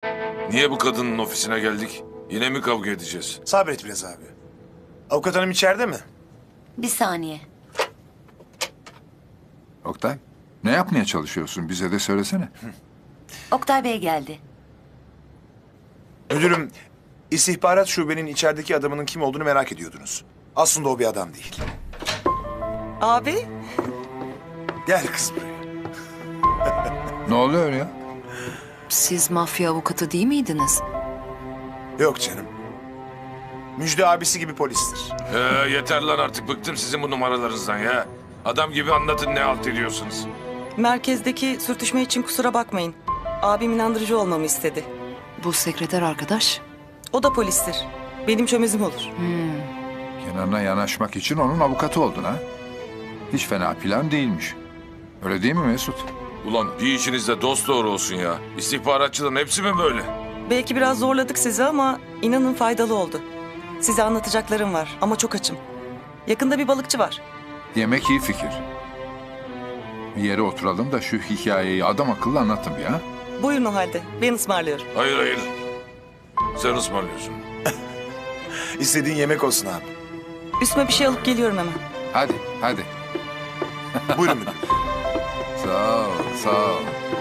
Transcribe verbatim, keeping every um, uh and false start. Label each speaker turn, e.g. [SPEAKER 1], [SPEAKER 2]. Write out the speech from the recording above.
[SPEAKER 1] Niye bu kadının ofisine geldik? Yine mi kavga edeceğiz?
[SPEAKER 2] Sabret biraz abi. Avukat hanım içeride mi?
[SPEAKER 3] Bir saniye.
[SPEAKER 4] Oktay, ne yapmaya çalışıyorsun? Bize de söylesene.
[SPEAKER 3] Oktay Bey geldi.
[SPEAKER 2] Müdürüm, istihbarat şubenin içerideki adamının kim olduğunu merak ediyordunuz. Aslında o bir adam değil.
[SPEAKER 5] Abi,
[SPEAKER 2] Gel kız buraya.
[SPEAKER 4] Ne oluyor ya?
[SPEAKER 6] Siz mafya avukatı değil miydiniz?
[SPEAKER 2] Yok canım. Müjde abisi gibi polistir.
[SPEAKER 1] Ee, yeter lan artık bıktım sizin bu numaralarınızdan ya. Adam gibi anlatın ne halt ediyorsunuz.
[SPEAKER 5] merkezdeki sürtüşme için kusura bakmayın. Abim inandırıcı olmamı istedi.
[SPEAKER 6] Bu sekreter arkadaş.
[SPEAKER 5] O da polistir. Benim çömezim olur.
[SPEAKER 4] Kenan'a yanaşmak için onun avukatı oldun ha? Hiç fena plan değilmiş. Öyle değil mi Mesut?
[SPEAKER 1] Ulan bir işinizde dost doğru olsun ya. İstihbaratçıların hepsi mi böyle?
[SPEAKER 5] Belki biraz zorladık sizi ama inanın faydalı oldu. Size anlatacaklarım var ama çok açım. Yakında bir balıkçı var.
[SPEAKER 4] Yemek iyi fikir. Bir yere oturalım da şu hikayeyi adam akıllı anlatın bir ha.
[SPEAKER 5] Buyurun o halde. Ben ısmarlıyorum.
[SPEAKER 1] Hayır hayır. Sen ısmarlıyorsun.
[SPEAKER 2] İstediğin yemek olsun abi.
[SPEAKER 5] Üstüme bir şey alıp geliyorum hemen.
[SPEAKER 4] Hadi, hadi.
[SPEAKER 2] Buyurun müdürüm.
[SPEAKER 4] Sağ ol, sağ ol.